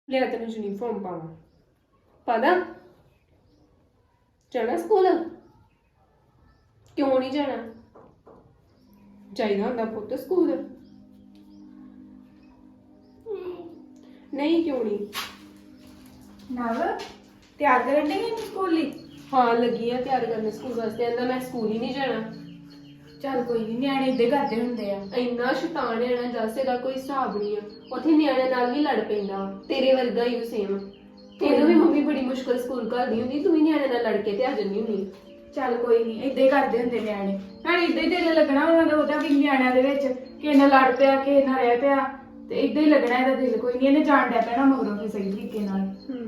ਲਿਆ ਤੈਨੂੰ ਯੂਨੀਫਾਰਮ ਪਾਵਾਂ ਪਾਦਾ ਜਾਣਾ ਸਕੂਲ ਕਿਉਂ ਨਹੀਂ ਜਾਣਾ ਚਾਹੀਦਾ ਹੁੰਦਾ ਪੁੱਤ ਸਕੂਲ ਨਹੀਂ ਕਿਉਂ ਨਹੀਂ ਨਵ ਤਿਆਰ ਕਰਨ ਨਹੀਂ ਸਕੂਲ ਲਈ ਹਾਂ ਲੱਗੀ ਆ ਤਿਆਰ ਕਰਨ ਸਕੂਲ ਵਾਸਤੇ ਕਹਿੰਦਾ ਮੈਂ ਸਕੂਲ ਹੀ ਨਹੀਂ ਜਾਣਾ ਚੱਲ ਕੋਈ ਨਹੀਂ ਨਿਆਣੇ ਇੱਦਾਂ ਹੀ ਕਰਦੇ ਹੁੰਦੇ ਆ। ਇੰਨਾ ਸ਼ੈਤਾਨ ਹੈ ਨਾ ਜੱਸੇ ਦਾ ਕੋਈ ਹਿਸਾਬ ਨਹੀਂ ਆ ਉੱਥੇ ਨਿਆਣਿਆਂ ਨਾਲ ਵੀ ਲੜ ਪੈਂਦਾ ਵਾ। ਤੇਰੇ ਵਰਗਾ ਹੀ ਸੇਮ ਤੈਨੂੰ ਵੀ ਮੰਮੀ ਬੜੀ ਮੁਸ਼ਕਲ ਸਕੂਲ ਘੱਲਦੀ ਹੁੰਦੀ ਤੂੰ ਵੀ ਨਿਆਣਿਆਂ ਨਾਲ ਲੜ ਕੇ ਤੇ ਆ ਜਾਂਦੀ ਹੁੰਦੀ ਚੱਲ ਕੋਈ ਨਹੀਂ ਇੱਦਾਂ ਹੀ ਕਰਦੇ ਹੁੰਦੇ ਨਿਆਣੇ ਨਾਲੇ ਇੱਦਾਂ ਹੀ ਦਿਲ ਲੱਗਣਾ ਉਹਨਾਂ ਦਾ ਉਹਦਾ ਵੀ ਨਿਆਣਿਆਂ ਦੇ ਵਿੱਚ ਕਿਸੇ ਨਾਲ ਲੜ ਪਿਆ ਕਿਸੇ ਨਾਲ ਰਹਿ ਪਿਆ ਤੇ ਇੱਦਾਂ ਹੀ ਲੱਗਣਾ ਇਹਦਾ ਦਿਲ ਕੋਈ ਨਹੀਂ ਇਹਨੇ ਜਾਣ ਡਿਆ ਪੈਣਾ ਮਗਰੋਂ ਫਿਰ ਸਹੀ ਤਰੀਕੇ ਨਾਲ।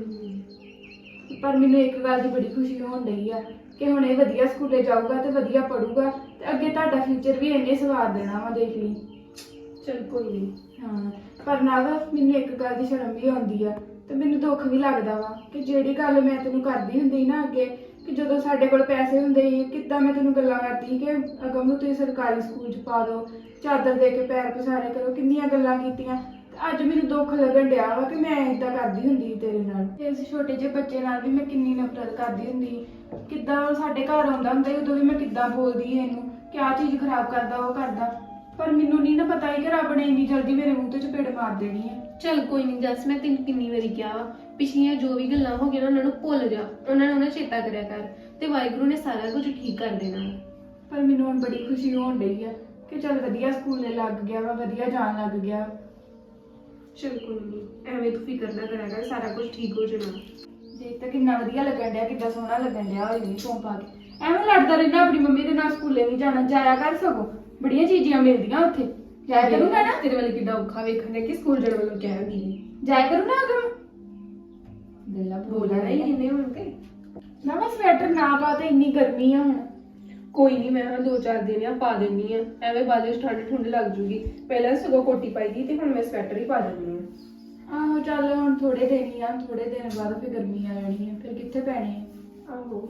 ਪਰ ਮੈਨੂੰ ਇੱਕ ਗੱਲ ਦੀ ਬੜੀ ਖੁਸ਼ੀ ਹੋਣ ਡਈ ਆ ਕਿ ਹੁਣ ਇਹ ਵਧੀਆ ਸਕੂਲੇ ਜਾਊਗਾ ਤੇ ਵਧੀਆ ਪੜੂਗਾ ਤੇ ਅੱਗੇ ਤੁਹਾਡਾ ਫਿਊਚਰ ਵੀ ਇੰਨੇ ਸਵਾਰ ਦੇਣਾ ਵਾ ਦੇਖ ਲਈ। ਚਲ ਕੋਈ ਨਹੀਂ ਹਾਂ ਪਰ ਨਾ ਮੈਨੂੰ ਇੱਕ ਗੱਲ ਦੀ ਸ਼ਰਮ ਵੀ ਆਉਂਦੀ ਆ ਤੇ ਮੈਨੂੰ ਦੁੱਖ ਵੀ ਲੱਗਦਾ ਵਾ ਕਿ ਜਿਹੜੀ ਗੱਲ ਮੈਂ ਤੈਨੂੰ ਕਰਦੀ ਹੁੰਦੀ ਨਾ ਅੱਗੇ ਕਿ ਜਦੋਂ ਸਾਡੇ ਕੋਲ ਪੈਸੇ ਹੁੰਦੇ ਸੀ ਕਿੱਦਾਂ ਮੈਂ ਤੈਨੂੰ ਗੱਲਾਂ ਕਰਦੀ ਕਿ ਅਗਮ ਨੂੰ ਤੁਸੀਂ ਸਰਕਾਰੀ ਸਕੂਲ 'ਚ ਪਾ ਦਿਓ ਚਾਦਰ ਦੇ ਕੇ ਪੈਰ ਪਸਾਰੇ ਕਰੋ ਕਿੰਨੀਆਂ ਗੱਲਾਂ ਕੀਤੀਆਂ ਤੇ ਅੱਜ ਮੈਨੂੰ ਦੁੱਖ ਲੱਗਣ ਡਿਆ ਵਾ ਕਿ ਮੈਂ ਇਦਾਂ ਕਰਦੀ ਹੁੰਦੀ ਤੇਰੇ ਨਾਲ ਤੇ ਇਸ ਛੋਟੇ ਜਿਹੇ ਬੱਚੇ ਨਾਲ ਵੀ ਮੈਂ ਕਿੰਨੀ ਨਫ਼ਰਤ ਕਰਦੀ ਹੁੰਦੀ ਕਿੱਦਾਂ ਉਹ ਸਾਡੇ ਘਰ ਆਉਂਦਾ ਹੁੰਦਾ ਉਦੋਂ ਵੀ ਮੈਂ ਕਿੱਦਾਂ ਬੋਲਦੀ ਇਹਨੂੰ ਕਿ ਆਹ ਚੀਜ਼ ਖਰਾਬ ਕਰਦਾ ਉਹ ਕਰਦਾ ਪਰ ਮੈਨੂੰ ਨਹੀਂ ਨਾ ਪਤਾ ਹੀ ਕਿ ਰੱਬ ਨੇ ਇੰਨੀ ਜਲਦੀ ਮੇਰੇ ਮੂੰਹ ਤੇ ਚਪੇੜ ਮਾਰ ਦੇਣੀ ਹੈ। ਚਲ ਕੋਈ ਨਹੀਂ ਜੱਸ ਮੈਂ ਤੈਨੂੰ ਕਿੰਨੀ ਵਾਰੀ ਕਿਹਾ ਵਾ ਪਿਛਲੀਆਂ ਜੋ ਵੀ ਗੱਲਾਂ ਹੋ ਗਈਆਂ ਉਹਨਾਂ ਨੂੰ ਭੁੱਲ ਜਾ ਉਹਨਾਂ ਨੂੰ ਨਾ ਚੇਤਾ ਕਰਿਆ ਕਰ ਤੇ ਵਾਹਿਗੁਰੂ ਨੇ ਸਾਰਾ ਕੁਝ ਠੀਕ ਕਰ ਦੇਣਾ। ਪਰ ਮੈਨੂੰ ਹੁਣ ਬੜੀ ਖੁਸ਼ੀ ਹੋਣ ਡਈ ਆ ਕਿ ਚੱਲ ਵਧੀਆ ਸਕੂਲੇ ਲੱਗ ਗਿਆ ਵਾ ਵਧੀਆ ਜਾਣ ਲੱਗ ਗਿਆ। ਚਲ ਕੋਈ ਨਹੀਂ ਐਵੇਂ ਤੂੰ ਫਿਕਰ ਨਾ ਕਰਿਆ ਕਰ ਸਾਰਾ ਕੁਝ ਠੀਕ ਹੋ ਜਾਣਾ। ਦੇਖ ਤਾਂ ਕਿੰਨਾ ਵਧੀਆ ਲੱਗਣ ਡਿਆ ਕਿੱਦਾਂ ਸੋਹਣਾ ਲੱਗਣ ਡਿਆ ਉਹ ਯੂਨੀਫਾਰਮ ਪਾ ਕੇ ਐਵੇਂ ਲੜਦਾ ਰਹਿੰਦਾ ਆਪਣੀ ਮੰਮੀ ਦੇ ਨਾਲ ਸਕੂਲੇ ਨਹੀਂ ਜਾਣਾ ਜਾਇਆ ਕਰ ਸਗੋਂ ਬੜੀਆਂ ਚੀਜ਼ਾਂ ਮਿਲਦੀਆਂ ਉੱਥੇ ਜਾਇਆ ਕਰੂੰਗਾ ਨਾ ਤੇਰੇ ਵੱਲ ਕਿੱਦਾਂ ਔਖਾ ਵੇਖਣ ਕਿ ਸਕੂਲ ਜਾਣ ਵੱਲੋਂ ਕਹਿਣਗੀ ਜਾਇਆ ਕਰੂ ਨਾ ਅਗਮ ਗੱਲਾਂ ਬੋਲਣਾ ਹੀ ਇਹਨੇ ਹੁਣ ਤੇ ਨਾ ਮੈਂ ਸਵੈਟਰ ਨਾ ਪਾ ਤੇ ਇੰਨੀ ਗਰਮੀ ਆ ਹੁਣ ਕੋਈ ਨਹੀਂ ਮੈਂ ਹਾਂ 2-4 ਦਿਨ ਆ ਪਾ ਦਿੰਨੀ ਆ ਐਵੇਂ ਬਾਅਦ ਵਿੱਚ ਠੰਡ ਲੱਗ ਜੂਗੀ ਪਹਿਲਾਂ ਸਗੋਂ ਕੋਟੀ ਪਾਈ ਦੀ ਤੇ ਹੁਣ ਮੈਂ ਸਵੈਟਰ ਹੀ ਪਾ ਦਿੰਨੀ ਆ। ਆਹੋ ਚੱਲ ਹੁਣ ਥੋੜੇ ਦਿਨ ਹੀ ਆ ਥੋੜੇ ਦਿਨ ਬਾਅਦ ਫਿਰ ਗਰਮੀ ਆ ਜਾਣੀ ਹੈ ਫਿਰ ਕਿੱਥੇ ਪੈਣੀ ਹੈ। ਆਹੋ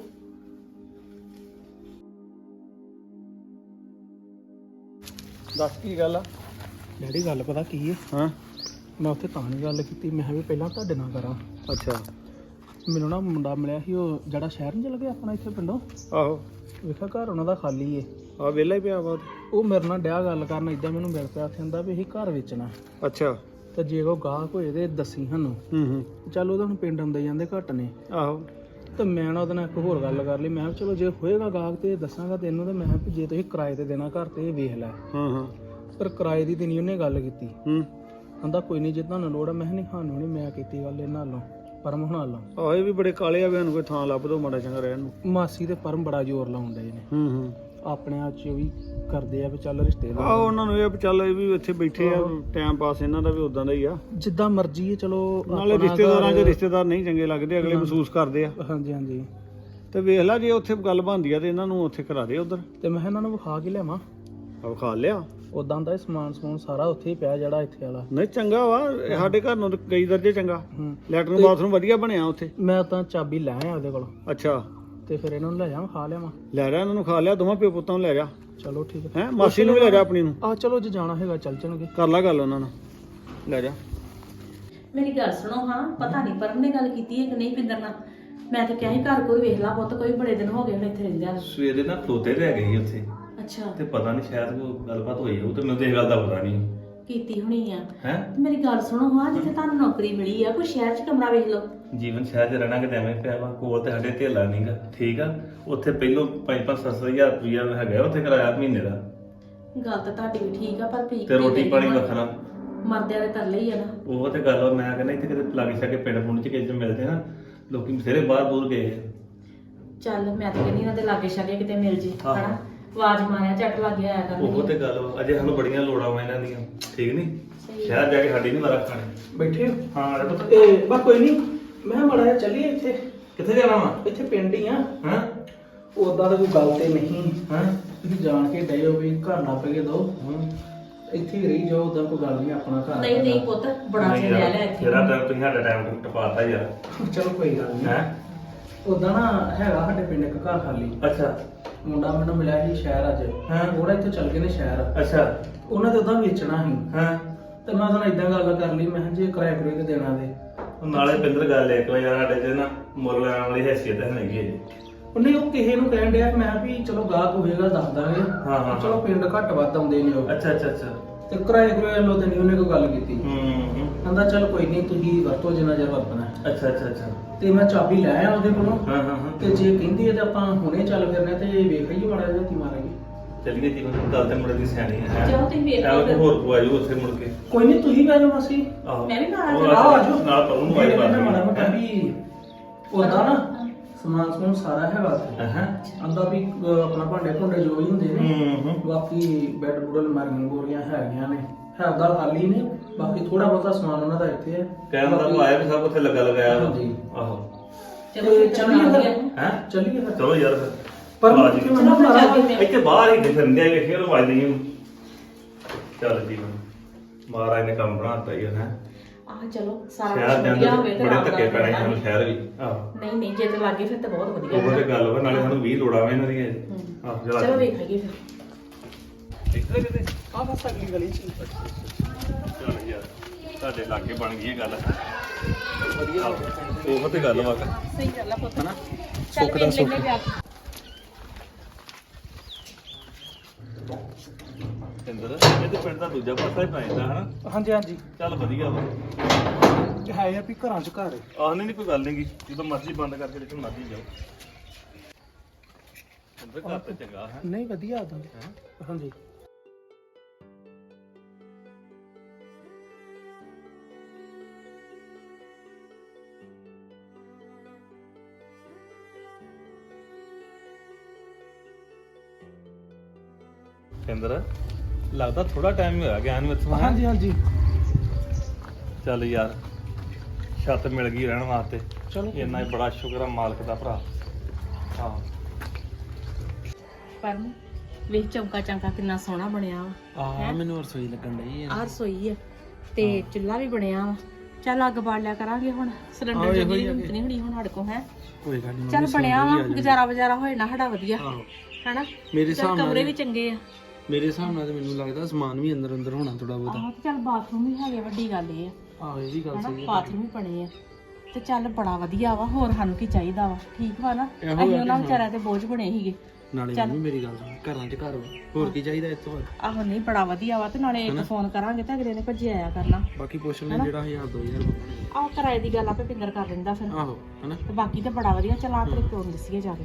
ਦੱਸ ਕੀ ਗੱਲ ਆ? ਡੈਡੀ ਗੱਲ ਪਤਾ ਕੀ ਹੈ ਹਾਂ ਮੈਂ ਉੱਥੇ ਤਾਂ ਨਹੀਂ ਗੱਲ ਕੀਤੀ ਮੈਂ ਕਿਹਾ ਵੀ ਪਹਿਲਾਂ ਤੁਹਾਡੇ ਨਾਲ ਕਰਾਂ। ਅੱਛਾ ਮੈਨੂੰ ਨਾ ਮੁੰਡਾ ਮਿਲਿਆ ਸੀ ਉਹ ਜਿਹੜਾ ਸ਼ਹਿਰ ਨੂੰ ਚਲ ਗਿਆ ਆਪਣਾ ਇੱਥੇ ਪਿੰਡੋਂ ਆਹੋ ਵੇਖਿਆ ਘਰ ਉਹਨਾਂ ਦਾ ਖਾਲੀ ਏ ਆ ਵਿਹਲਾ ਹੀ ਪਿਆ ਵਾ ਉਹ ਮੇਰੇ ਨਾਲ ਡਿਆ ਗੱਲ ਕਰਨ ਇਦਾਂ ਮੈਨੂੰ ਮਿਲ ਪਿਆ ਉੱਥੇ ਕਹਿੰਦਾ ਵੀ ਅਸੀਂ ਘਰ ਵੇਚਣਾ ਅੱਛਾ ਤੇ ਜੇ ਉਹ ਗਾਹਕ ਹੋਏ ਤੇ ਦੱਸੀ ਸਾਨੂੰ ਹੂੰ ਚੱਲ ਉਹਦਾ ਹੁਣ ਪਿੰਡ ਆਉਂਦੇ ਜਾਂਦੇ ਘੱਟ ਨੇ ਆਹੋ ਤੇ ਮੈਂ ਨਾ ਉਹਦੇ ਨਾਲ ਇੱਕ ਹੋਰ ਗੱਲ ਕਰ ਲਈ ਮੈਂ ਕਿਹਾ ਚਲੋ ਜੇ ਹੋਏਗਾ ਗਾਹਕ ਤੇ ਦੱਸਾਂਗਾ ਤੈਨੂੰ ਤੇ ਮੈਂ ਕਿਹਾ ਵੀ ਜੇ ਤੁਸੀਂ ਕਿਰਾਏ ਤੇ ਦੇਣਾ ਘਰ ਤੇ ਇਹ ਵੇਖ ਲੈ। ਹਾਂ ਪਰ ਕਿਰਾਏ ਦੀ ਤੇ ਨਹੀਂ ਉਹਨੇ ਗੱਲ ਕੀਤੀ ਕਹਿੰਦਾ ਕੋਈ ਨਹੀਂ ਜੇ ਤੁਹਾਨੂੰ ਲੋੜ ਆ ਮੈਂ ਕਿਹਾ ਨਹੀਂ ਸਾਨੂੰ ਨਹੀਂ ਮੈਂ ਕੀਤੀ ਗੱਲ ਇਹਨਾਂ ਨਾਲੋਂ ਪਰਮ ਹੁਣਾਂ ਨਾਲੋਂ। ਆਹ ਇਹ ਵੀ ਬੜੇ ਕਾਲੇ ਆ ਵੀ ਸਾਨੂੰ ਕੋਈ ਥਾਂ ਲੱਭ ਦੋ ਮਾੜਾ ਚੰਗਾ ਰਹਿਣ ਨੂੰ। ਮਾਸੀ ਤੇ ਪਰਮ ਬੜਾ ਜ਼ੋਰ ਲਾਉਂਦੇ ਨੇ ਆਪਣੇ ਆਪ ਚ ਵੀ ਕਰਦੇ ਆ ਵੀ ਚੱਲ ਰਿਸ਼ਤੇ ਦਾ ਆਹ ਉਹਨਾਂ ਨੂੰ ਇਹ ਵੀ ਚੱਲ ਇਹ ਵੀ ਇੱਥੇ ਬੈਠੇ ਆ ਟਾਈਮ ਪਾਸ ਇਹਨਾਂ ਦਾ ਵੀ ਉਦਾਂ ਦਾ ਹੀ ਆ ਜਿੱਦਾਂ ਮਰਜ਼ੀ ਹੈ ਚਲੋ ਨਾਲੇ ਆਪਣਾ ਰਿਸ਼ਤੇਦਾਰਾਂ 'ਚ ਘਰ- ਰਿਸ਼ਤੇਦਾਰ ਨਹੀਂ ਚੰਗੇ ਲੱਗਦੇ ਅਗਲੇ ਮਹਿਸੂਸ ਕਰਦੇ ਆ ਹਾਂਜੀ ਹਾਂਜੀ ਤੇ ਵੇਖ ਲੈ ਜੇ ਉੱਥੇ ਗੱਲ ਬਣਦੀ ਆ ਤੇ ਇਹਨਾਂ ਨੂੰ ਉੱਥੇ ਕਰਾ ਦੇ ਉਧਰ ਤੇ ਮੈਂ ਕਿਹਾ ਇਹਨਾਂ ਨੂੰ ਵਿਖਾ ਕੇ ਲਿਆਵਾਂ ਆ ਖਾ ਲਿਆ ਉਦਾਂ ਦਾ ਸਮਾਨ ਸਾਰਾ ਉੱਥੇ ਹੀ ਪਿਆ ਜਿਹੜਾ ਇੱਥੇ ਵਾਲਾ। ਨਹੀਂ ਚੰਗਾ ਵਾ ਇਹ ਸਾਡੇ ਘਰ ਨੂੰ ਤਾਂ ਕਈ ਦਰਜੇ ਚੰਗਾ ਹੂੰ ਲੈਟਰਨ ਬਾਥਰੂਮ ਵਧੀਆ ਬਣਿਆ ਉੱਥੇ। ਮੈਂ ਤਾਂ ਚਾਬੀ ਲੈ ਆਇਆ ਉਹਦੇ ਕੋਲ ਅੱਛਾ ਤੇ ਫਿਰ ਇਹਨਾਂ ਨੂੰ ਲੈ ਜਾਵਾਂ ਖਾ ਲਿਆਵਾਂ। ਲੈ ਜਾ ਇਹਨਾਂ ਨੂੰ ਖਾ ਲਿਆ ਦੋਵਾਂ ਪਿਓ ਪੁੱਤਾਂ ਨੂੰ ਲੈ ਜਾ ਚਲੋ ਠੀਕ ਹੈ ਮਾਸੀ ਨੂੰ ਵੀ ਲੈ ਜਾ ਆਪਣੀ ਨੂੰ ਆ ਚਲੋ ਜੇ ਜਾਣਾ ਹੈਗਾ ਚੱਲ ਚਣਗੇ ਕਰ ਲਾ ਗੱਲ ਉਹਨਾਂ ਨਾਲ ਲੈ ਜਾ। ਮੇਰੀ ਗੱਲ ਸੁਣੋ ਹਾਂ ਪਤਾ ਨਹੀਂ ਪਰਮ ਨੇ ਗੱਲ ਕੀਤੀ ਹੈ ਕਿ ਨਹੀਂ ਪਿੰਦਰ ਨਾਲ ਮੈਂ ਤਾਂ ਕਿਹਾ ਸੀ ਘਰ ਕੋਈ ਵੇਖ ਲਾ ਪੁੱਤ ਕੋਈ ਬੜੇ ਦਿਨ ਹੋ ਗਏ ਹੁਣ ਇੱਥੇ ਰਹਿੰਦਿਆਂ ਨੂੰ। ਸਵੇਰੇ ਨਾ ਖਲੋਤੇ ਰਹਿ ਗਏ ਸੀ ਉੱਥੇ ਅੱਛਾ ਤੇ ਪਤਾ ਨਹੀਂ ਸ਼ਾਇਦ ਕੋਈ ਗੱਲਬਾਤ ਹੋਈ ਹੋਊ ਤੇ ਮੈਨੂੰ ਤੇ ਇਹ ਗੱਲ ਦਾ ਪਤਾ ਨਹੀਂ ਕੀਤੀ ਹੋਣੀ ਆ ਹੈ। ਤੇ ਮੇਰੀ ਗੱਲ ਸੁਣੋ ਹਾਂ ਜਿੱਥੇ ਤੁਹਾਨੂੰ ਨੌਕਰੀ ਮਿਲੀ ਆ ਕੋਈ ਸ਼ਹਿਰ 'ਚ ਕਮਰਾ ਵੇਖ ਲਓ। ਜੀਵਨ ਸ਼ਹਿਰ 'ਚ ਰਹਿਣਾ ਕਿਤੇ ਐਵੇਂ ਪਿਆ ਵਾ ਕੋਲ ਤੇ ਸਾਡੇ ਢੇਲਾ ਨਹੀਂਗਾ ਠੀਕ ਆ ਉੱਥੇ ਪਹਿਲੋਂ 5-7 ਹਜ਼ਾਰ ਰੁਪਇਆ ਹੈਗਾ ਉੱਥੇ ਕਿਰਾਇਆ ਮਹੀਨੇ ਦਾ ਗੱਲ ਤਾਂ ਤੁਹਾਡੀ ਵੀ ਠੀਕ ਆ ਪਰ ਪੀ ਤੇ ਰੋਟੀ ਪਾਣੀ ਵੱਖਰਾ ਮਰਦਿਆਂ ਦੇ ਤਰਲੇ ਹੀ ਆ ਨਾ। ਉਹ ਤੇ ਗੱਲ ਵਾ, ਮੈਂ ਕਹਿੰਦਾ ਇੱਥੇ ਕਿਤੇ ਲਾਗੇ ਛਾਗੇ ਪਿੰਡ ਪੁੰਡ 'ਚ ਕਿਸੇ ਮਿਲਦੇ ਨਾ ਲੋਕੀ ਬਥੇਰੇ ਬਾਹਰ ਦੂਰ ਗਏ ਆ। ਚੱਲ ਮੈਂ ਤਾਂ ਕਹਿੰਦੀ ਇਹਨਾਂ ਦੇ ਲਾਗੇ ਛਾਗੇ ਕਿਤੇ ਮਿਲ ਜੇ ਆਹੋ। ਹਨਾ ਆਵਾਜ਼ ਮਾਰਿਆ ਝੱਟ ਲੱਗੇ ਆਇਆ ਉਹ ਕਰਨਗੇ। ਤੇ ਗੱਲ ਵਾ, ਅਜੇ ਸਾਨੂੰ ਬੜੀਆਂ ਲੋੜਾਂ ਵਾ ਇਹਨਾਂ ਦੀਆਂ ਠੀਕ ਨਹੀਂ ਸਹੀ। ਸ਼ਹਿਰ ਜਾ ਕੇ ਸਾਡੀ ਨਹੀਂ ਮਾਰਾ ਖਾਣੀ। ਬੈਠੇ ਹੋ? ਹਾਂ ਅਰੇ ਪੁੱਤ ਤੇ ਬਸ ਕੋਈ ਨਹੀਂ ਮੈਂ ਮੜਾ ਜਿਹਾ ਚੱਲੀਏ ਇੱਥੇ ਕਿੱਥੇ ਜਾਣਾ ਵਾ ਇੱਥੇ ਪਿੰਡ ਹੀ ਆ ਹਾਂ ਉਦਾਂ ਤਾਂ ਕੋਈ ਗੱਲ ਤੇ ਨਹੀਂ ਹਾਂ ਤੁਸੀਂ ਜਾਣ ਕੇ ਡਏ ਹੋ ਵੀ ਘਰ ਨਾ ਪਏ ਦੋ ਇੱਥੇ ਹੀ ਰਹੀ ਜਾਓ ਉਦਾਂ ਕੋਈ ਗੱਲ ਨਹੀਂ ਆਪਣਾ ਘਰ ਨਹੀਂ ਨਹੀਂ ਪੁੱਤ ਬੜਾ ਚਿਰ ਲੈ ਲਿਆ ਇੱਥੇ। ਤੇਰਾ ਟਾਈਮ ਤੁਸੀਂ ਸਾਡਾ ਟਾਈਮ ਟਪਾਤਾ ਯਾਰ ਚਲੋ ਕੋਈ ਗੱਲ ਨਹੀਂ ਹੈ ਉਦਾਂ ਨਾ ਹੈਗਾ ਸਾਡੇ ਪਿੰਡ ਇੱਕ ਘਰ ਖਾਲੀ ਅੱਛਾ ਮੁੰਡਾ ਮੈਨੂੰ ਮਿਲਿਆ ਸੀ ਸ਼ਹਿਰ ਅੱਜ ਹਾਂ। ਉਹਦਾ ਇੱਥੇ ਚੱਲ ਗਏ ਨੇ ਸ਼ਹਿਰ ਅੱਛਾ ਉਹਨਾਂ ਦੇ ਉਦਾਂ ਵੇਚਣਾ ਸੀ ਹਾਂ ਤੇ ਮੈਂ ਤੁਹਾਨੂੰ ਇਦਾਂ ਗੱਲ ਕਰ ਲਈ ਮੈਂ ਕਿਹਾ ਜੇ ਕਿਰਾਏ ਕਰੂਏ ਤੇ ਦੇਣਾ ਦੇ ਉਹ ਨਾਲੇ ਪਿੰਦਰ ਗੱਲ ਇੱਕ ਵਾਰ ਯਾਰ ਸਾਡੇ ਚ ਨਾ ਮੁੱਲ ਲੈਣ ਵਾਲੀ ਹੈਸੀਅਤ ਹੈ ਨਹੀਂ ਹੈ ਜੀ। ਉਹਨੇ ਉਹ ਕਿਸੇ ਨੂੰ ਕਹਿਣ ਡਿਆ ਮੈਂ ਵੀ ਚਲੋ ਗਾਹਕ ਹੋਏਗਾ ਦੱਸ ਦਾਂਗੇ। ਹਾਂ, ਹਾਂ। ਚਲੋ ਪਿੰਡ ਘੱਟ ਵੱਧ ਆਉਂਦੇ ਨੇ ਉਹ। ਅੱਛਾ ਅੱਛਾ ਅੱਛਾ। ਤੇ ਕਿਰਾਏ ਕਰੋਏ ਲੋ ਤੇ ਨਹੀਂ ਉਹਨੇ ਕੋਈ ਗੱਲ ਕੀਤੀ। ਹੂੰ। ਕਹਿੰਦਾ ਚੱਲ ਕੋਈ ਨਹੀਂ ਤੁਸੀਂ ਵਰਤੋ ਜਿੰਨਾ ਚਿਰ ਵਰਤਣਾ ਹੈ। ਅੱਛਾ ਅੱਛਾ ਅੱਛਾ। ਤੇ ਮੈਂ ਚਾਬੀ ਲੈ ਆਇਆ ਉਹਦੇ ਕੋਲੋਂ। ਹਾਂ ਹਾਂ ਹਾਂ। ਤੇ ਜੇ ਕਹਿੰਦੀ ਹੈ ਤੇ ਆਪਾਂ ਹੁਣੇ ਚੱਲ ਫਿਰਨੇ ਤੇ ਵੇਖ ਲਈਏ ਮਾੜਾ ਜਿਹਾ ਕੀ ਮਾਰਾਂਗੇ। ਚੱਲੀਏ ਜੀ ਗੱਲ ਤੇ ਮੁੰਡੇ ਦੀ ਸਿਆਣੀ ਹੈ। ਚਲੋ ਤੁਸੀਂ ਵੇਖ ਲਓ ਐਵੇਂ ਫਿਰ। ਹੋਰ ਕੋ ਆਜੋ ਉੱਥੇ ਮੁੜ ਕੇ। ਕੋਈ ਨਹੀਂ ਤੁਸੀਂ ਬਹਿ ਜਾਓ ਮਾਸੀ। ਆਹੋ ਮੈਂ ਵੀ ਨਾਲ ਉਹ ਆਓ ਆਜੋ ਨਾਲ ਪਰੋਂ ਨੂੰ ਆਈ ਮਾੜਾ ਬਾਤ ਮੋਟਾ ਵੀ ਉਹਦਾ ਨਾ ਸਮਾਨ ਸਮੂਨ ਸਾਰਾ ਹੈਗਾ ਉੱਥੇ। ਹਾਂ। ਆਂਦਾ ਵੀ ਆਪਣਾ ਭਾਂਡੇ ਭੁੰਡੇ ਜੋ ਵੀ ਹੁੰਦੇ ਨੇ ਹੂੰ। ਬਾਕੀ ਬੈੱਡ ਬੁੱਡ ਅਲਮਾਰੀਆਂ ਗੋਰੀਆਂ ਹੈਗੀਆਂ ਨੇ ਹੈਦਾ ਖਾਲੀ ਨੇ ਬਾਕੀ ਥੋੜਾ ਬਹੁਤਾ ਸਮਾਨ ਉਹਨਾਂ ਦਾ ਇੱਥੇ ਹੈ ਕਹਿਣ ਦਾ ਉਹ ਆਇਆ ਵੀ ਸਭ ਉੱਥੇ ਲੱਗਾ ਲਗਾਇਆ ਵਾ। ਹਾਂਜੀ। ਆਹੋ ਚਲੋ ਫਿਰ ਚੱਲੀਏ ਫਿਰ। ਹੈ ਚੱਲੀਏ ਫਿਰ ਚਲੋ ਯਾਰ ਫਿਰ। ਪਰ ਆ ਜੀ। ਕਿਉਂ ਚਲੋ ਨਾ ਫਿਰ ਮਾਰਾ ਚੱਲਦੇ ਇੱਥੇ ਬਾਹਰ ਹੀ ਫਿਰਦੇ ਆ ਵੇਖੀਏ ਉਹ ਵੱਜ ਨਹੀਂ ਚੱਲ ਜੀ ਮਹਾਰਾਜ ਨੇ ਕੰਮ ਬਣਾਤਾ ਹੀ ਹੈ। ਆਹ ਚਲੋ ਸਾਰਾ ਸ਼ਹਿਰ ਦੇ ਕੁਝ ਵਧੀਆ ਹੋਵੇ ਅੰਦਰ ਤੇ ਬੜੇ ਆਰਾਮ ਧੱਕੇ ਨਾਲ ਪੈਣੇ ਰਹਿਣਾ ਸਾਨੂੰ ਵੀ। ਸ਼ਹਿਰ ਵੀ ਆਹੋ ਨਹੀਂ ਨਹੀਂ ਜੇ ਤੇ ਲੱਗੇ ਫਿਰ ਤਾਂ ਬਹੁਤ ਵਧੀਆ ਉਹ ਤੇ ਗੱਲ ਵਾ ਨਾਲੇ ਸਾਨੂੰ 20 ਲੋੜਾਂ ਵਾ ਇਹਨਾਂ ਦੀਆਂ ਆਹੋ ਚਲੋ ਜਰਾ ਵੇਖ ਲਈਏ ਫਿਰ ਇੱਥੇ ਕਿਤੇ ਆ ਬਸ ਅਗਲੀ ਗਲੀ ਚ ਚੱਲ ਯਾਰ ਤੁਹਾਡੇ ਲਾਗੇ ਬਣ ਗਈ ਇਹ ਗੱਲ ਵਧੀਆ ਉਹ ਤੇ ਗੱਲ ਵਾ ਸਹੀ ਗੱਲ ਆ ਪੁੱਤ ਹਨਾ ਚੱਲ ਸੁੱਖ ਦਾ ਵੇਖ ਲੈਨੇ ਸੁੱਖ। ਵਿਆਹ ਇੰਦਰ ਇਹਦੇ ਪਿੰਡ ਦਾ ਦੂਜਾ ਪਾਸਾ ਹੀ ਪੈ ਜਾਂਦਾ ਹਨਾ ਹਾਂਜੀ ਹਾਂਜੀ ਚੱਲ ਵਧੀਆ ਵਾ ਹੈ ਆ ਵੀ ਘਰਾਂ ਚ ਘਰ ਹੈ। ਆਹ ਨਹੀਂ ਕੋਈ ਗੱਲ ਨਹੀਂਗੀ ਜਦੋਂ ਮਰਜ਼ੀ ਬੰਦ ਕਰਕੇ ਜਿੱਥੇ ਮਰਜ਼ੀ ਜਾਓ ਇੰਦਰ ਘਰ ਤੇ ਚੰਗਾ ਹੈ ਨਹੀਂ ਵਧੀਆ ਆਦਾ ਹਾਂਜੀ ਇੰਦਰ ਲੱਗਦਾ ਥੋੜਾ ਟਾਈਮ ਹੀ ਹੋਇਆ ਗਿਆ ਨੂੰ ਇੱਥੋਂ ਹੈਂ? ਹਾਂਜੀ ਹਾਂਜੀ ਚੱਲ ਯਾਰ ਛੱਤ ਮਿਲ ਗਈ ਰਹਿਣ ਵਾਸਤੇ ਚਲੋ ਇੰਨਾ ਹੀ ਬੜਾ ਸ਼ੁਕਰ ਆ ਮਾਲਕ ਦਾ ਭਰਾ ਹਾਂ ਪਰ ਵੇਖ ਚੌਂਕਾ ਚਾਂਕਾ ਕਿੰਨਾ ਸੋਹਣਾ ਬਣਿਆ ਵਾ ਆ ਮੈਨੂੰ ਰਸੋਈ ਲੱਗਣ ਡਈ ਆਹ ਰਸੋਈ ਆ ਤੇ ਚੁੱਲ੍ਹਾ ਵੀ ਬਣਿਆ ਵਾ ਚੱਲ ਅੱਗ ਬਾਲ ਲਿਆ ਕਰਾਂਗੇ ਹੁਣ ਸਿਲੰਡਰ ਆਹੋ, ਜੋਗੀ ਇਹੋ ਹੀ ਆ ਹਿੰਮਤ ਨਹੀਂ ਹੋਣੀ ਹੁਣ ਸਾਡੇ ਕੋਲ ਹੈ ਕੋਈ ਗੱਲ ਨਹੀਂ ਚੱਲ ਬਣਿਆ ਵਾ ਗੁਜ਼ਾਰਾ ਵਜ਼ਾਰਾ ਹੋਏ ਨਾ ਸਾਡਾ ਵਧੀਆ ਆਹੋ ਹੈਨਾ ਮੇਰੇ ਚੱਲ ਹਿਸਾਬ ਕਮਰੇ ਨਾਲ ਵੀ ਚੰਗੇ ਆ ਮੇਰੇ ਹਿਸਾਬ ਨਾਲ ਤੇ ਮੈਨੂੰ ਲੱਗਦਾ ਸਮਾਨ ਵੀ ਅੰਦਰ ਅੰਦਰ ਹੋਣਾ ਥੋੜਾ ਬਹੁਤਾ ਆਹੋ ਤੇ ਚੱਲ ਬਾਥਰੂਮ ਵੀ ਹੈਗੇ ਵੱਡੀ ਗੱਲ ਇਹ ਆ ਆਹੋ ਇਹ ਵੀ ਗੱਲ ਹਨਾ ਸਹੀ ਹੈ ਬਾਥਰੂਮ ਵੀ ਬਣੇ ਆ ਤੇ ਚੱਲ ਬੜਾ ਵਧੀਆ ਵਾ ਹੋਰ ਸਾਨੂੰ ਕੀ ਚਾਹੀਦਾ ਵਾ ਠੀਕ ਵਾ ਨਾ ਇਹੋ ਅਸੀਂ ਆ ਉਹਨਾਂ ਕਿ ਵਿਚਾਰਿਆਂ ਤੇ ਬੋਝ ਬਣੇ ਸੀਗੇ ਨਾਲੇ ਚੱਲ। ਮੰਮੀ ਮੇਰੀ ਗੱਲ ਸੁਣ ਘਰਾਂ 'ਚ ਘਰ ਵਾ ਹੋਰ ਕੀ ਚਾਹੀਦਾ ਇਸ ਤੋਂ ਬਾਅਦ ਆਹੋ ਨਹੀਂ ਬੜਾ ਵਧੀਆ ਵਾ ਤੇ ਨਾਲੇ ਇੱਕ ਫੋਨ ਕਰਾਂਗੇ ਤਾਂ ਅਗਲੇ ਨੇ ਭੱਜੇ ਆਇਆ ਕਰਨਾ ਬਾਕੀ ਪੁੱਛ ਲੈ ਜਿਹੜਾ 1000 2000 ਆਹ ਕਿਰਾਏ ਦੀ ਗੱਲ ਆਪੇ ਪਿੰਦਰ ਕਰ ਦਿੰਦਾ ਫਿਰ ਆਹੋ ਹਨਾ ਤੇ ਬਾਕੀ ਤੇ ਬੜਾ ਵਧੀਆ ਚਲਾ ਤੇਰੇ ਪਿਓ ਨੂੰ ਦੱਸੀਏ ਜਾ ਕੇ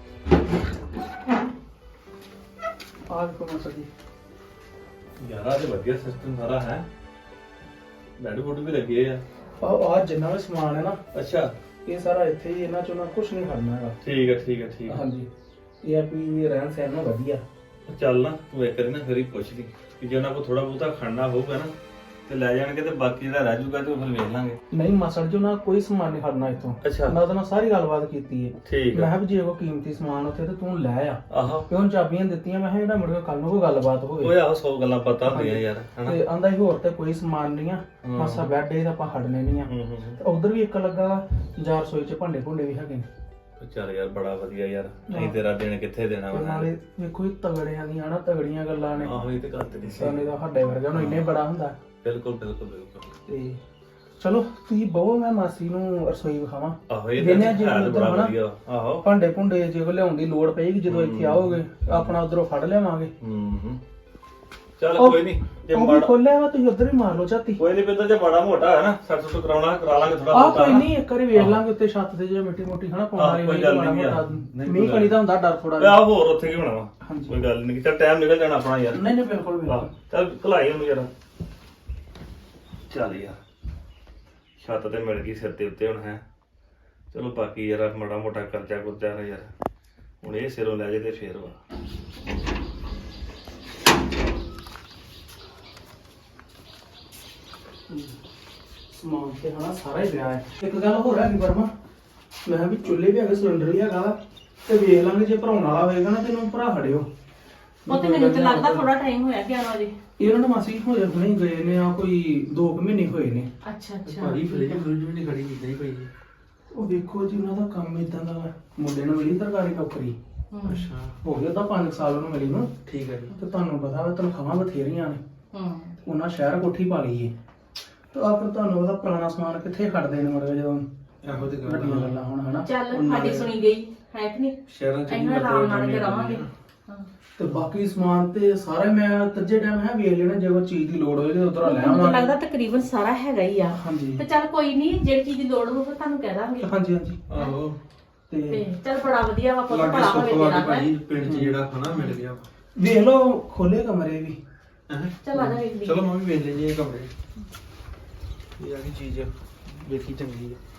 ਆਹ ਦੇਖੋ ਮਾਸਾ ਜੀ ਯਾਰ ਆ ਤੇ ਵਧੀਆ ਸਿਸਟਮ ਸਾਰਾ ਹੈ ਬੈੱਡ ਬੁੱਡ ਵੀ ਲੱਗੇ ਆ ਆਹ ਜਿੰਨਾ ਵੀ ਸਮਾਨ ਹੈ ਨਾ ਅੱਛਾ ਇਹ ਸਾਰਾ ਇੱਥੇ ਹੀ ਇਹਨਾਂ ਚੋਂ ਨਾ ਕੁਝ ਨਹੀਂ ਖੜਨਾ ਹੈਗਾ ਠੀਕ ਹੈ ਠੀਕ ਹੈ ਠੀਕ ਹੈ ਹਾਂਜੀ ਇਹ ਆ ਵੀ ਰਹਿਣ ਸਹਿਣ ਨਾਲ ਵਧੀਆ ਚੱਲ ਨਾ ਤੂੰ ਇੱਕ ਵਾਰੀ ਨਾ ਫਿਰ ਹੀ ਪੁੱਛ ਲਈ ਕਿ ਜੇ ਉਹਨਾਂ ਕੋਲ ਥੋੜਾ ਬਹੁਤਾ ਖੜਨਾ ਹੋਊਗਾ ਨਾ ਤੇ ਲੈ ਜਾਣਗੇ ਤੇ ਬਾਕੀ ਜਿਹੜਾ ਰਹਿ ਜਾਊਗਾ ਤੇ ਉਹ ਫਿਰ ਵੇਖ ਲਾਂਗੇ ਨਹੀਂ ਮਾਸੜ ਜੀ ਉਹਨਾਂ ਕੋਈ ਸਮਾਨ ਨਹੀਂ ਖੜਨਾ ਇੱਥੋਂ ਅੱਛਾ ਮੈਂ ਉਹਦੇ ਨਾਲ ਸਾਰੀ ਗੱਲਬਾਤ ਕੀਤੀ ਹੈ ਠੀਕ ਮੈਂ ਹੈ ਕਿਹਾ ਵੀ ਜੇ ਕੋਈ ਕੀਮਤੀ ਸਮਾਨ ਉੱਥੇ ਤੇ ਤੂੰ ਲੈ ਆ ਆਹੋ ਕਿਉਂ ਚਾਬੀਆਂ ਦਿੱਤੀਆਂ ਮੈਂ ਕਿਹਾ ਜਿਹੜਾ ਮੁੜ ਕੇ ਕੱਲ ਨੂੰ ਕੋਈ ਗੱਲਬਾਤ ਹੋਵੇ ਓਏ ਆਹੋ 100 ਗੱਲਾਂ ਪਤਾ ਹੁੰਦੀਆਂ ਯਾਰ ਹਨਾ ਤੇ ਆਂਦਾ ਹੀ ਹੋਰ ਤੇ ਕੋਈ ਸਮਾਨ ਨਹੀਂ ਆ ਮਾਸਾ ਬੈੱਡ ਇਹ ਤਾਂ ਆਪਾਂ ਖੜਨੇ ਨਹੀਂ ਆ ਤੇ ਉਧਰ ਵੀ ਇੱਕ ਲੱਗਾ ਜਾਂ ਰਸੋਈ 'ਚ ਭਾਂਡੇ ਭੁੰਡੇ ਵੀ ਹੈਗੇ ਨੇ ਚੱਲ ਯਾਰ ਬੜਾ ਵਧੀਆ ਯਾਰ ਨਹੀਂ ਤੇਰਾ ਦਿਨ ਕਿੱਥੇ ਦੇਣਾ ਤੇ ਵਾ ਨਾਲੇ ਵੇਖੋ ਇਹ ਤਗੜਿਆਂ ਦੀਆਂ ਹਨਾ ਤਗੜੀਆਂ ਗੱਲਾਂ ਨੇ ਆਹੋ ਇਹ ਤੇ ਗੱਲ ਤੇਰੀ ਸਹੀ ਸਾਨੇ ਦਾ ਸਾਡੇ ਵਰਗਾ ਨੂੰ ਇੰਨੇ ਬੜਾ ਹੁੰਦਾ ਬਿਲਕੁਲ ਬਿਲਕੁਲ ਬਿਲਕੁਲ ਤੇ ਚਲੋ ਤੁਸੀਂ ਬਹੁ ਮੈਂ ਮਾਸੀ ਨੂੰ ਰਸੋਈ ਵਿਖਾਵਾਂ ਆਹੋ ਇਹ ਦਿਨੇ ਤਾਂ ਜੇ ਹੈ ਉੱਧਰ ਬੜਾ ਹਨਾ ਵਧੀਆ ਆਹੋ ਭਾਂਡੇ ਭੁੰਡੇ ਜੇ ਕੋ ਲਿਆਉਣ ਦੀ ਲੋੜ ਪਏਗੀ ਜਦੋਂ ਇੱਥੇ ਆਓਗੇ ਆਪਣਾ ਉਧਰੋਂ ਫੜ ਲਿਆਵਾਂਗੇ ਹੂੰ ਚੱਲ ਉਹ- ਕੋਈ ਨਹੀਂ ਜੇ ਉਹ ਵੀ ਮਾੜਾ ਖੋਲਿਆ ਵਾ ਤੁਸੀਂ ਉਧਰ ਹੀ ਮਾਰ ਲਓ ਝਾਤੀ ਕੋਈ ਨਹੀਂ ਪਿੰਦਰ ਜੇ ਮਾੜਾ ਮੋਟਾ ਹੈ ਨਾ ਸੱਟ ਸੁੱਟ ਕਰਾਉਣਾ ਕਰਾ ਲਾਂਗੇ ਥੋੜਾ ਆਹ ਕੋਈ ਨਹੀਂ ਇੱਕ ਵਾਰੀ ਵੇਖ ਲਾਂਗੇ ਉੱਤੇ ਛੱਤ ਤੇ ਜੇ ਮਿੱਟੀ ਮੋਟੀ ਹਨਾ ਪਾਉਣ ਵਾਲੀ ਕੋਈ ਹੋਈ ਗੱਲ ਮਾੜਾ ਨਹੀਂ ਮੋਟਾ ਯਾਰ। ਨਹੀਂ ਮੀਂਹ ਕੋਈ ਕਣੀ ਦਾ ਹੁੰਦਾ ਡਰ ਥੋੜਾ ਓਏ ਆਹ ਹੋਰ ਉੱਥੇ ਕੀ ਬਣਾਵਾ ਹਾਂਜੀ। ਕੋਈ ਗੱਲ ਨਹੀਂ ਚੱਲ ਟਾਈਮ ਨਿਕਲ ਜਾਣਾ ਆਪਣਾ ਯਾਰ ਨਹੀਂ ਨਹੀਂ ਬਿਲਕੁਲ ਆਹ, ਬਿਲਕੁਲ ਚੱਲ ਭਲਾਈ ਉਹਨੂੰ ਯਾਰ ਚੱਲ ਯਾਰ ਛੱਤ ਤੇ ਮਿਲ ਗਈ ਸਿਰ ਦੇ ਉੱਤੇ ਹੁਣ ਹੈ ਚਲੋ ਬਾਕੀ ਯਾਰ ਮਾੜਾ ਮੋਟਾ ਕਰਜ਼ਾ ਕੁਰਜ਼ਾ ਨਾ ਯਾਰ ਹੁਣ ਇਹ ਸਿਰੋਂ ਲੈ ਜੇ ਤੇ ਫੇਰ ਵਾ ਸਮਾਨ ਤੇ ਹਨਾ ਸਾਰਾ ਹੀ ਪਿਆ ਹੈ ਇੱਕ ਗੱਲ ਹੋਰ ਹੈਗੀ ਵਰਮਾ ਮੈਂ ਕਿਹਾ ਵੀ ਚੁੱਲ੍ਹੇ ਵੀ ਹੈਗੇ ਸਿਲੰਡਰ ਵੀ ਹੈਗਾ ਵਾ, ਤੇ ਵੇਖ ਲਾਂਗੇ ਜੇ ਭਰਾਉਣ ਵਾਲਾ ਹੋਏਗਾ ਨਾ ਤੈਨੂੰ ਭਰਾ ਖੜਿਓ ਉਹ ਤੇ ਮੈਨੂੰ ਤੇ ਲੱਗਦਾ ਥੋੜਾ ਟਾਈਮ ਹੋਇਆ 11 ਵਜੇ ਇਹਨਾਂ ਨੇ ਮਾਸੀ ਹੋਏ ਹੁਣੇ ਗਏ ਨੇ ਆ ਕੋਈ 2 ਮਹੀਨੇ ਹੋਏ ਨੇ ਅੱਛਾ ਅੱਛਾ ਭਾਜੀ ਫ੍ਰਿਜ ਫ੍ਰਿਜ ਵੀ ਨਹੀਂ ਖੜੀ ਇਦਾਂ ਹੀ ਪਈ ਹੈ। ਉਹ ਵੇਖੋ ਜੀ ਉਹਨਾਂ ਦਾ ਕੰਮ ਇਦਾਂ ਦਾ ਵਾ। ਮੁੰਡੇ ਨੂੰ ਮਿਲੀ ਸਰਕਾਰੀ ਨੌਕਰੀ ਅੱਛਾ ਹੋ ਗਿਆ ਤਾਂ 5 ਸਾਲ ਉਹਨੂੰ ਮਿਲੀ ਨੂੰ ਠੀਕ ਹੈ ਜੀ। ਤੇ ਤੁਹਾਨੂੰ ਪਤਾ ਵਾ ਤਨਖਾਹਾਂ ਬਥੇਰੀਆਂ ਨੇ ਹੂੰ ਉਹਨਾਂ ਸ਼ਹਿਰ ਕੋਠੀ ਪਾ ਲਈ ਏ ਤੇ ਤੇ ਆਪਰ ਤੁਹਾਨੂੰ ਉਹਦਾ ਪੁਰਾਣਾ ਸਮਾਨ ਕਿੱਥੇ ਖੜਦੇ ਨੇ ਮੜਵੇ ਜਦੋਂ ਇਹੋ ਜਿਹੀ ਵੱਡੀਆਂ ਗੱਲ ਗੱਲਾਂ ਹੁਣ ਹਨਾ ਚੱਲ ਉਹਨਾਂ ਸਾਡੀ ਨੇ- ਸੁਣੀ ਗਈ ਹੈ ਕਿ ਨਹੀਂ ਸ਼ਹਿਰਾਂ ਚ ਅਸੀਂ ਆਰਾਮ ਨਾਲ ਕੇ ਰਵਾਂਗੇ ਹਾਂ ਤੇ ਬਾਕੀ ਸਮਾਨ ਤੇ ਸਾਰਾ ਮੈਂ ਤੱਜੇ ਟਾਈਮ ਹੈ ਵੇਖ ਲੈਣਾ ਜੇ ਕੋਈ ਚੀਜ਼ ਦੀ ਲੋੜ ਹੋਵੇ ਤੇ ਉਧਰੋਂ ਲੈ ਮੈਨੂੰ ਤਾਂ ਆਵਾਂਗੇ। ਲੱਗਦਾ ਤਕਰੀਬਨ ਸਾਰਾ ਹੈਗਾ ਹੀ ਆ ਹਾਂਜੀ ਤੇ ਚੱਲ ਕੋਈ ਨਹੀਂ ਜਿਹੜੀ ਚੀਜ਼ ਦੀ ਲੋੜ ਹੋਵੇ ਤੁਹਾਨੂੰ ਕਹਿ ਦਾਂਗੇ ਹਾਂਜੀ ਹਾਂਜੀ ਆਹੋ ਤੇ ਤੇ ਚੱਲ ਬੜਾ ਵਧੀਆ ਵਾ ਪੁੱਤ ਲਾਗੇ ਭਲਾ ਹੋਵੇ ਸੁੱਖ ਵਾ ਤੇਰਾ ਕੇ ਭਾਜੀ ਪਿੰਡ 'ਚ ਜਿਹੜਾ ਖਾਣਾ ਮਿਲ ਗਿਆ ਵੇਖ ਲਓ ਖੋਲੇ ਕਮਰੇ ਵੀ ਹੈਂ। ਚੱਲ ਆ ਜਾ ਵੇਖ ਲਈ ਚਲੋ ਮੈਂ ਵੀ ਵੇਖ ਲੈਣੀ ਇਹ ਕਮਰੇ ਇਹ ਆ ਕੀ ਚੀਜ਼ ਵੇਖੀ ਚੰਗੀ ਆ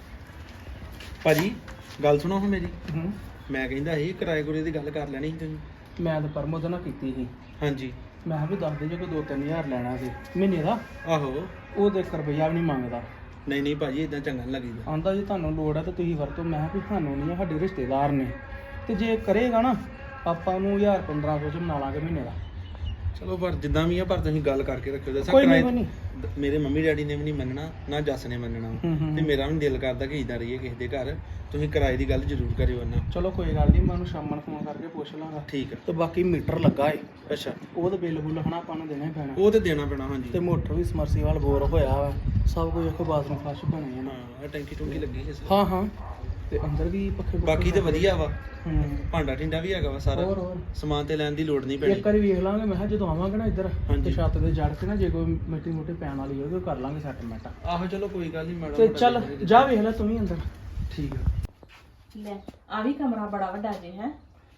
ਭਾਜੀ ਗੱਲ ਸੁਣੋ ਹੁਣ ਮੇਰੀ ਹੂੰ ਮੈਂ ਕਹਿੰਦਾ ਸੀ ਕਿਰਾਏ ਕੁਰੇ ਦੀ ਗੱਲ ਕਰ ਲੈਣੀ ਸੀ ਤੁਸੀਂ ਮੈਂ ਤਾਂ ਪਰਮੋਦ ਨਾਲ ਕੀਤੀ ਸੀ ਹਾਂਜੀ ਮੈਂ ਕਿਹਾ ਵੀ ਦੱਸ ਦੇ ਜੇ ਕੋਈ 2-3000 ਲੈਣਾ ਸੀ ਮਹੀਨੇ ਦਾ ਆਹੋ ਉਹ ਤੇ 1 ਰੁਪਈਆ ਵੀ ਨਹੀਂ ਮੰਗਦਾ ਨਹੀਂ ਨਹੀਂ ਭਾਜੀ ਇਦਾਂ ਚੰਗਾ ਨਹੀਂ ਲੱਗੀਦਾ ਆਂਦਾ ਜੇ ਤੁਹਾਨੂੰ ਲੋੜ ਹੈ ਤਾਂ ਤੁਸੀਂ ਵਰਤੋ। ਮੈਂ ਕਿਹਾ ਵੀ ਸਾਨੂੰ ਨਹੀਂ ਹੈ, ਸਾਡੇ ਰਿਸ਼ਤੇਦਾਰ ਨੇ ਤੇ ਜੇ ਕਰੇਗਾ ਨਾ ਆਪਾਂ ਨੂੰ 1000-1500 ਚ ਬਣਾ ਲਾਂਗੇ ਮਹੀਨੇ ਦਾ। ਚਲੋ ਪਰ ਜਿੱਦਾਂ ਵੀ ਆ ਪਰ ਤੁਸੀਂ ਗੱਲ ਕਰਕੇ ਰੱਖਿਓ ਦੱਸਾਂ ਕੋਈ ਨਹੀਂ ਕਿਰਾਏ ਕੋਈ ਨਹੀਂ ਮੇਰੇ ਮੰਮੀ ਡੈਡੀ ਨੇ ਵੀ ਨਹੀਂ ਮੰਨਣਾ ਨਾ ਜੱਸ ਨੇ ਮੰਨਣਾ ਤੇ ਮੇਰਾ ਵੀ ਦਿਲ ਕਰਦਾ ਕਿ ਇਦਾਂ ਰਹੀਏ ਕਿਸੇ ਦੇ ਘਰ ਤੁਸੀਂ ਕਿਰਾਏ ਦੀ ਗੱਲ ਜ਼ਰੂਰ ਕਰਿਓ ਉਹਨਾਂ ਚਲੋ ਕੋਈ ਗੱਲ ਨਹੀਂ ਮੈਂ ਉਹਨੂੰ ਸ਼ਾਮਾਂ ਨੂੰ ਫੋਨ ਕਰਕੇ ਪੁੱਛ ਲਾਂਗਾ। ਠੀਕ ਆ ਤੇ ਬਾਕੀ ਮੀਟਰ ਲੱਗਾ ਏ ਅੱਛਾ ਉਹਦਾ ਬਿੱਲ ਬੁੱਲ ਹਨਾ ਆਪਾਂ ਨੂੰ ਦੇਣਾ ਹੀ ਪੈਣਾ ਉਹ ਤੇ ਦੇਣਾ ਪੈਣਾ ਹਾਂਜੀ ਤੇ ਮੋਟਰ ਵੀ ਸਮਰਸੀਵਾਲ ਬੋਰ ਹੋਇਆ ਵਾ ਸਭ ਕੁਝ ਇੱਕ ਬਾਥਰੂਮ ਫਲਸ਼ ਬਣੇ ਆ ਨਾ। ਹਾਂ ਟੈਂਕੀ ਟੁੰਕੀ ਲੱਗੀ ਹੈ ਹਾਂ ਹਾਂ ਤੇ ਅੰਦਰ ਵੀ ਪੱਖੇ ਪੁੱਖੇ ਬਾਕੀ ਤੇ ਵਧੀਆ ਵਾ ਹੂੰ ਭਾਂਡਾ ਟਿੰਡਾ ਵੀ ਹੈਗਾ ਵਾ ਸਾਰਾ ਹੋਰ ਹੋਰ ਸਮਾਨ ਤੇ ਲੈਣ ਦੀ ਲੋੜ ਨਹੀਂ ਪੈਣੀ ਇੱਕ ਵਾਰੀ ਵੇਖ ਲਾਂਗੇ। ਮੈਂ ਕਿਹਾ ਜਦੋਂ ਆਵਾਂਗੇ ਨਾ ਇੱਧਰ ਹਾਂਜੀ। ਤੇ ਛੱਤ ਤੇ ਜੜ ਕੇ ਨਾ ਜੇ ਕੋਈ ਮਿੱਟੀ ਮੁੱਟੀ ਪੈਣ ਵਾਲੀ ਹੋਵੇ ਉਹ ਕਰ ਲਾਂਗੇ ਸੈਟਲਮੈਂਟ। ਆਹੋ ਚਲੋ ਕੋਈ ਗੱਲ ਨਹੀਂ ਮੈਡਮ ਤੇ ਚੱਲ ਜਾ ਵੇਖ ਲੈ ਤੂੰ ਵੀ ਅੰਦਰ। ਠੀਕ ਆ ਲੈ ਆ ਵੀ ਕਮਰਾ ਬੜਾ ਵੱਡਾ ਜੇ ਹੈ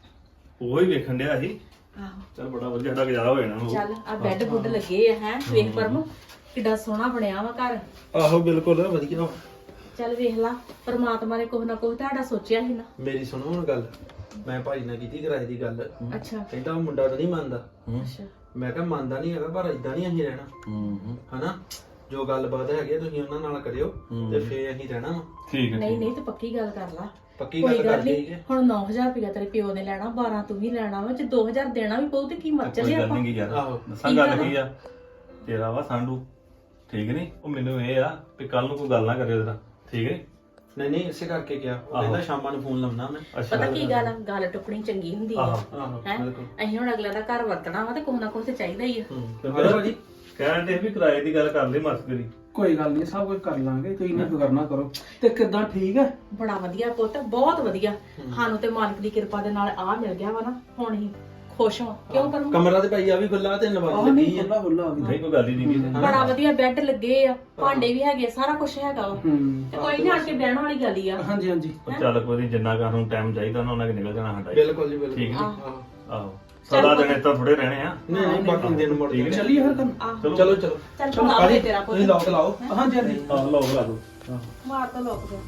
ਉਹ ਹੀ ਵੇਖਣ ਡਿਆ ਸੀ ਆਹੋ ਚਲ ਬੜਾ ਵਧੀਆ ਸਾਡਾ ਗੁਜ਼ਾਰਾ ਹੋ ਜਾਣਾ ਉਹ ਚੱਲ ਆ ਬੈੱਡ ਬੁੱਡ ਲੱਗੇ ਆ ਹੈ ਵੇਖ ਪਰਮ ਕਿੱਡਾ ਸੋਹਣਾ ਬਣਿਆ ਵਾ ਘਰ। ਆਹੋ ਬਿਲਕੁਲ ਵਧੀਆ ਵਾ। ਚੱਲ ਵੇਖ ਲਾ ਪਰਮਾਤਮਾ ਨੇ ਕੁਛ ਨਾ ਕੁਛ ਤੁਹਾਡਾ ਸੋਚਿਆ ਸੀ ਨਾ। ਮੇਰੀ ਸੁਣੋ ਹੁਣ ਗੱਲ ਮੈਂ ਭਾਈ ਨਾਲ ਕੀਤੀ ਕਿਰਾਏ ਦੀ ਗੱਲ ਅੱਛਾ ਕਹਿੰਦਾ ਉਹ ਮੁੰਡਾ ਤਾਂ ਨਹੀਂ ਮੰਨਦਾ ਅੱਛਾ ਮੈਂ ਕਿਹਾ ਮੰਨਦਾ ਨਹੀਂ ਹੈਗਾ ਪਰ ਇਦਾਂ ਨਹੀਂ ਅਸੀਂ ਰਹਿਣਾ ਹਨਾ ਜੋ ਗੱਲਬਾਤ ਹੈਗੀ ਆ ਤੁਸੀਂ ਉਹਨਾਂ ਨਾਲ ਕਰਿਓ ਤੇ ਫੇਰ ਅਸੀਂ ਰਹਿਣਾ ਵਾ ਠੀਕ ਹੈ ਨਹੀਂ ਨਹੀਂ ਤੇ ਪੱਕੀ ਗੱਲ ਕਰ ਲਾ ਪੱਕੀ ਕੋਈ ਗੱਲ ਗੱਲ ਕਰ ਨਹੀਂ ਲਈਏ ਹੁਣ 9000 ਰੁਪਇਆ ਤੇਰੇ ਪਿਓ ਨੇ ਲੈਣਾ 12 ਤੂੰ ਵੀ ਲੈਣਾ ਵਾ ਜੇ 2000 ਦੇਣਾ ਵੀ ਪਊ ਤੇ ਕੀ ਮਰ ਕੋਈ ਚੱਲੇ ਗੱਲ ਆਪਾਂ ਨਹੀਂ ਯਾਰ ਆਹੋ। ਦੱਸਾਂ ਠੀਕ ਗੱਲ ਆ ਨਾ? ਕੀ ਆ ਤੇਰਾ ਵਾ ਸਾਂਢੂ ਠੀਕ ਨਹੀਂ ਉਹ ਮੈਨੂੰ ਇਹ ਆ ਵੀ ਕੱਲ ਨੂੰ ਕੋਈ ਗੱਲ ਨਾ ਕਰਿਓ ਤੇਰਾ ਠੀਕ ਹੈ ਨਹੀਂ ਨਹੀਂ ਇਸੇ ਕਰਕੇ ਕਿਹਾ ਉਹ ਆਹੋ। ਕਹਿੰਦਾ ਸ਼ਾਮਾਂ ਨੂੰ ਫੋਨ ਲਾਉਣਾ ਮੈਂ ਪਤਾ ਕੀ ਗੱਲ ਆ ਗੱਲ ਟੁੱਕਣੀ ਚੰਗੀ ਹੁੰਦੀ ਆ ਆਹੋ ਆਹੋ ਹੈ ਬਿਲਕੁਲ ਅਸੀਂ ਹੁਣ ਅਗਲਾ ਦਾ ਘਰ ਵਰਤਣਾ ਵਾ ਤੇ ਕੁਛ ਨਾ ਕੁਛ ਤੇ ਚਾਹੀਦਾ ਹੀ ਆ ਹਲੋ ਭਾਜੀ ਕਹਿੰਦੇ ਵੀ ਕਿਰਾਏ ਦੀ ਗੱਲ ਕਰ ਲਈ ਮਸ ਕਰੀ ਕੋਈ ਗੱਲ ਨਹੀਂ ਸਭ ਕੁਝ ਕਰ ਲਾਂਗੇ ਤੁਸੀਂ ਨਾ ਫਿਕਰ ਨਾ ਕਰੋ। ਤੇ ਕਿੱਦਾਂ ਠੀਕ ਹੈ? ਬੜਾ ਵਧੀਆ ਪੁੱਤ ਬਹੁਤ ਵਧੀਆ ਸਾਨੂੰ ਤੇ ਮਾਲਕ ਦੀ ਕਿਰਪਾ ਦੇ ਨਾਲ ਆ ਮਿਲ ਗਿਆ ਵਾ ਨਾ ਹੁਣ ਹੀ ਖੁਸ਼ ਹਾਂ ਕਿਉਂ ਕਰੂੰ ਕਮਰਾ ਤੇ ਭਾਈ ਆ ਵੀ ਖੁੱਲਾ ਤੇ ਨਵਾਜ਼ ਆਹ ਲੱਗੀ ਨਹੀਂ ਆ ਖੁੱਲਾ ਖੁੱਲਾ ਹੋ ਗਿਆ। ਨਹੀਂ ਕੋਈ ਗੱਲ ਹੀ ਨਹੀਂ ਬੜਾ ਵਧੀਆ ਬੈੱਡ ਲੱਗੇ ਆ ਭਾਂਡੇ ਵੀ ਹੈਗੇ ਸਾਰਾ ਕੁਝ ਹੈਗਾ ਵਾ ਹੂੰ ਤੇ ਕੋਈ ਨਹੀਂ ਆਣ ਕੇ ਬਹਿਣ ਵਾਲੀ ਗੱਲ ਹੀ ਆ ਹਾਂਜੀ ਹਾਂਜੀ ਉਹ ਚੱਲ ਕੋਈ ਨੀ, ਜਿੰਨਾ ਘਰ ਨੂੰ ਟਾਈਮ ਚਾਹੀਦਾ ਉਹਨਾਂ ਕਿ ਨਿਕਲ ਜਾਣਾ ਸਾਡਾ ਹੀ। ਬਿਲਕੁਲ ਜੀ ਬਿਲਕੁਲ ਠੀਕ ਨੀ? ਆਹੋ। ਆਹੋ ਸਾਰਾ ਦਿਨ ਇੱਥੇ ਥੋੜੇ ਰਹਿਣੇ ਆ ਨਹੀਂ ਨਹੀਂ ਬਾਕੀ ਦਿਨ ਮੁੜ ਠੀਕ ਹੈ। ਚੱਲੀਏ ਫਿਰ ਕੰਮ। ਆਹ ਚਲੋ ਚਲੋ ਚਲੋ ਚੱਲ ਭਲਾ ਹੋਵੇ ਤੇਰਾ ਤੁਸੀਂ ਪੁੱਤ ਲੋਕ ਲਾਓ ਹਾਂਜੀ ਹਾਂਜੀ ਆਹ ਲਓ ਲਾ ਦੋ ਮਾਰ ਤਾਂ ਲੋਕ ਜਾ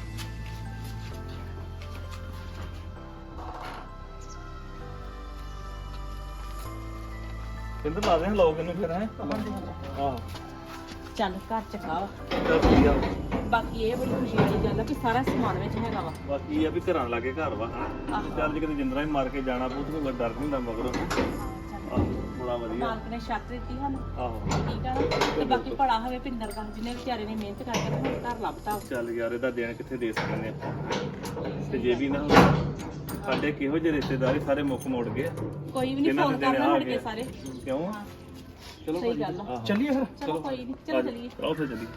ਕਿੰਦਰ ਲਾ ਦੇ ਲੋਕ ਇਹਨੂੰ ਫਿਰ ਹੈ ਆਹ ਚੱਲ ਘਰ ਚ ਖਾ ਚੱਲ ਠੀਕ ਆ ਬਾਕੀ ਇਹ ਬੜੀ ਖੁਸ਼ੀ ਵਾਲੀ ਗੱਲ ਆ ਕਿ ਸਾਰਾ ਸਮਾਨ ਵਿੱਚ ਹੈਗਾ ਵਾ ਬਾਕੀ ਇਹ ਆ ਵੀ ਘਰਾਂ ਲਾਗੇ ਘਰ ਵਾ ਚੱਲ ਜੇ ਕਿਤੇ ਜਿੰਦਰਾ ਹੀ ਮਾਰ ਕੇ ਜਾਣਾ ਪਊ ਤੇ ਕੋਈ ਡਰ ਨਹੀਂ ਹੁੰਦਾ ਮਗਰੋਂ ਆਹ ਬੜਾ ਵਧੀਆ ਮਾਲਕ ਨੇ ਸ਼ੱਕ ਦਿੱਤੀ ਸਾਨੂੰ ਆਹੋ ਠੀਕ ਆ ਨਾ ਤੇ ਬਾਕੀ ਭਲਾ ਹੋਵੇ ਪਿੰਦਰ ਦਾ ਜਿਹਨੇ ਵਿਚਾਰੇ ਨੇ ਮਿਹਨਤ ਕਰਕੇ ਤੇ ਹੁਣ ਘਰ ਲੱਭਤਾ ਚੱਲ ਯਾਰ ਇਹਦਾ ਦੇਣ ਕਿੱਥੇ ਦੇ ਸਕਦੇ ਆਪਾਂ ਤੇ ਜੇ ਵੀ ਨਾ ਹੁੰਦਾ ਸਾਡੇ ਕਿਹੋ ਜਿਹੇ ਰਿਸ਼ਤੇਦਾਰ ਸਾਰੇ ਮੁੱਖ ਮੋੜ ਗਏ ਕੋਈ ਵੀ ਨਹੀਂ ਇਹਨਾਂ ਫੋਨ ਦੇ ਦੇਣੇ ਕਰਨਾ ਆ ਹਟ ਕੇ ਗਏ। ਸਾਰੇ ਕਿਉਂ ਹਾਂ ਚਲੋ ਸਹੀ ਗੱਲ ਆ ਆਹੋ। ਚੱਲੀਏ ਫਿਰ। ਚਲੋ ਕੋਈ ਨਹੀਂ ਚਲੋ ਚਲੀਏ ਆਓ ਫਿਰ ਚੱਲੀਏ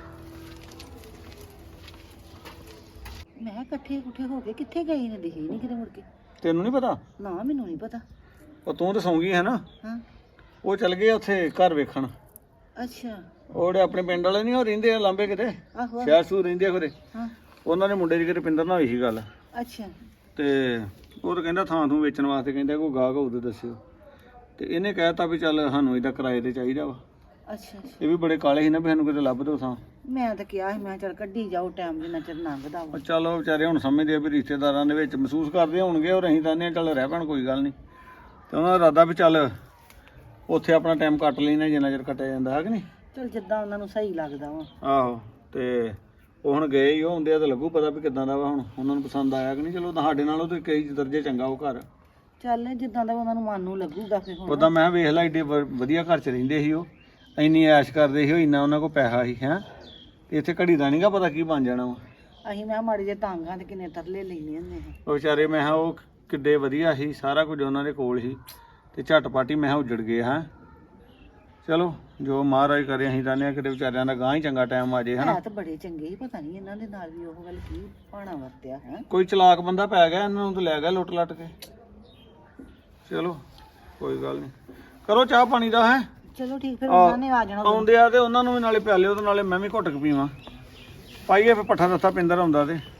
ਮੈਂ ਕਿਹਾ ਇਕੱਠੇ ਕੁੱਠੇ ਹੋ ਕੇ ਕਿੱਥੇ ਗਏ ਨੇ ਦਿਖੇ ਨਹੀਂ ਕਿਤੇ ਮੁੜ ਕੇ। ਤੈਨੂੰ ਨਹੀਂ ਪਤਾ ਨਾ ਮੈਨੂੰ ਨਹੀਂ ਪਤਾ। ਉਹ ਤੂੰ ਤਾਂ ਸੌਂ ਗਈ ਹੈ ਨਾ ਹਾਂ ਉਹ ਚਲ ਗਏ ਉੱਥੇ ਘਰ ਵੇਖਣ ਅੱਛਾ ਉਹ ਜਿਹੜੇ ਆਪਣੇ ਪਿੰਡ ਵਾਲੇ ਨਹੀਂ ਉਹ ਰਹਿੰਦੇ ਆ ਲਾਂਬੇ ਕਿਤੇ ਆਹੋ ਸ਼ਹਿਰ ਸੂ ਰਹਿੰਦੇ ਆ ਖਰੇ ਹਾਂ ਉਹਨਾਂ ਦੇ ਮੁੰਡੇ ਦੀ ਕਿਤੇ ਰੁਪਿੰਦਰ ਨਾਲ ਹੋਈ ਸੀ ਗੱਲ ਅੱਛਾ ਤੇ ਉਹ ਤਾਂ ਕਹਿੰਦਾ ਥਾਂ ਥੂ ਵੇਚਣ ਵਾਸਤੇ ਕਹਿੰਦਾ ਕੋਈ ਗਾਹਕ ਹੋਊ ਤੇ ਦੱਸਿਓ ਤੇ ਇਹਨੇ ਕਹਿਤਾ ਵੀ ਚੱਲ ਸਾਨੂੰ ਇਹਦਾ ਕਿਰਾਏ ਤੇ ਚਾਹੀਦਾ ਵਾ ਅੱਛਾ ਅੱਛਾ ਇਹ ਵੀ ਬੜੇ ਕਾਲੇ ਸੀ ਨਾ ਵੀ ਸਾਨੂੰ ਕਿਤੇ ਲੱਭ ਦੋ ਥਾਂ ਮੈਂ ਤਾਂ ਕਿਹਾ ਸੀ ਮੈਂ ਕਿਹਾ ਚੱਲ ਕੱਢੀ ਜਾਓ ਟਾਈਮ ਜਿੰਨਾ ਚਿਰ ਲੰਘਦਾ ਵਾ। ਉਹ ਚੱਲ ਉਹ ਵਿਚਾਰੇ ਹੁਣ ਸਮਝਦੇ ਆ ਵੀ ਰਿਸ਼ਤੇਦਾਰਾਂ ਦੇ ਵਿੱਚ ਮਹਿਸੂਸ ਕਰਦੇ ਹੋਣਗੇ ਔਰ ਅਸੀਂ ਤਾਂ ਨੇ ਚੱਲ ਰਹਿ ਪੈਣ ਕੋਈ ਗੱਲ ਨਹੀਂ ਤੇ ਉਹਨਾਂ ਦਾ ਇਰਾਦਾ ਵੀ ਚੱਲ ਉੱਥੇ ਆਪਣਾ ਟਾਈਮ ਕੱਟ ਲੈਣਾ ਜਿੰਨਾ ਚਿਰ ਕੱਟਿਆ ਜਾਂਦਾ ਹੈ ਕਿ ਨਹੀਂ ਚੱਲ ਜਿੱਦਾਂ ਉਹਨਾਂ ਨੂੰ ਸਹੀ ਲੱਗਦਾ ਵਾ। ਆਹੋ ਤੇ ਉਹ ਹੁਣ ਗਏ ਹੀ ਉਹ ਹੁੰਦੇ ਆ ਤਾਂ ਲੱਗੂ ਪਤਾ ਵੀ ਕਿੱਦਾਂ ਦਾ ਵਾ ਹੁਣ ਉਹਨਾਂ ਨੂੰ ਪਸੰਦ ਆਇਆ ਕਿ ਨਹੀਂ ਚਲੋ ਸਾਡੇ ਨਾਲੋਂ ਤੇ ਕਈ ਦਰਜੇ ਚੰਗਾ ਉਹ ਘਰ ਚੱਲ ਜਿੱਦਾਂ ਦਾ ਉਹਨਾਂ ਨੂੰ ਮਨ ਨੂੰ ਲੱਗੂਗਾ ਫਿਰ ਹੁਣ। ਉਦਾਂ ਮੈਂ ਵੇਖ ਲਾ ਏਡੇ ਵਧੀਆ ਘਰ 'ਚ ਰਹਿੰਦੇ ਸੀ ਉਹ ਇੰਨੀ ਐਸ਼ ਕਰਦੇ ਸੀ ਉਹ ਇੰਨਾ ਉਹਨਾਂ ਕੋਲ ਪੈਸਾ ਸੀ ਹੈਂ ਤੇ ਇੱਥੇ ਘੜੀ ਦਾ ਨਹੀਂਗਾ ਪਤਾ ਕੀ ਬਣ ਜਾਣਾ ਵਾ ਅਸੀਂ ਮੈਂ ਮਾੜੇ ਜੇ ਤਾਂਗਾਂ ਤੇ ਕਿੰਨੇ ਤਰਲੇ ਲੈਣੇ ਹੁੰਦੇ ਆ। ਉਹ ਵਿਚਾਰੇ ਮੈਂ ਕਿਹਾ ਉਹ ਕਿੱਡੇ ਵਧੀਆ ਸੀ ਸਾਰਾ ਕੁਝ ਉਹਨਾਂ ਦੇ ਕੋਲ ਸੀ ਤੇ ਝਟਪਟ ਹੀ ਮੈਂ ਕਿਹਾ ਉੱਜੜ ਗਏ ਹਾਂ ਚਲੋ ਜੋ ਮਹਾਰਾਜ ਕਰੇ ਅਸੀਂ ਤਾਂ ਨੇ ਕਿਤੇ ਵਿਚਾਰਿਆਂ ਦਾ ਗਾਂ ਹੀ ਚੰਗਾ ਟਾਈਮ ਆ ਜੇ ਹਨਾ। ਹੈ ਤਾਂ ਬੜੇ ਚੰਗੇ ਹੀ, ਪਤਾ ਨਹੀਂ ਇਹਨਾਂ ਦੇ ਨਾਲ ਵੀ ਉਹ ਗੱਲ ਕੀ ਪਾਣਾ ਵਰਤਿਆ ਹੈ। ਕੋਈ ਚਲਾਕ ਬੰਦਾ ਪੈ ਗਿਆ ਇਹਨਾਂ ਨੂੰ ਤੇ ਲੈ ਗਿਆ ਲੁੱਟ ਲੱਟ ਕੇ। ਚਲੋ ਕੋਈ ਗੱਲ ਨਹੀਂ, ਕਰੋ ਚਾਹ ਪਾਣੀ ਦਾ ਹੈ। ਚਲੋ ਠੀਕ, ਫਿਰ ਉਹਨਾਂ ਨੇ ਆ ਜਾਣਾ। ਆਉਂਦੇ ਆ ਤੇ ਉਹਨਾਂ ਨੂੰ ਵੀ ਨਾਲੇ ਪਿਆਲਿਓ ਤੇ ਨਾਲੇ ਮੈਂ ਵੀ ਘੁੱਟ ਕੇ ਪੀਵਾਂ। ਪਾਈਏ ਫਿਰ ਪੱਠਾ ਦੱਥਾ ਪਿੰਦਰ ਆਉਂਦਾ ਤੇ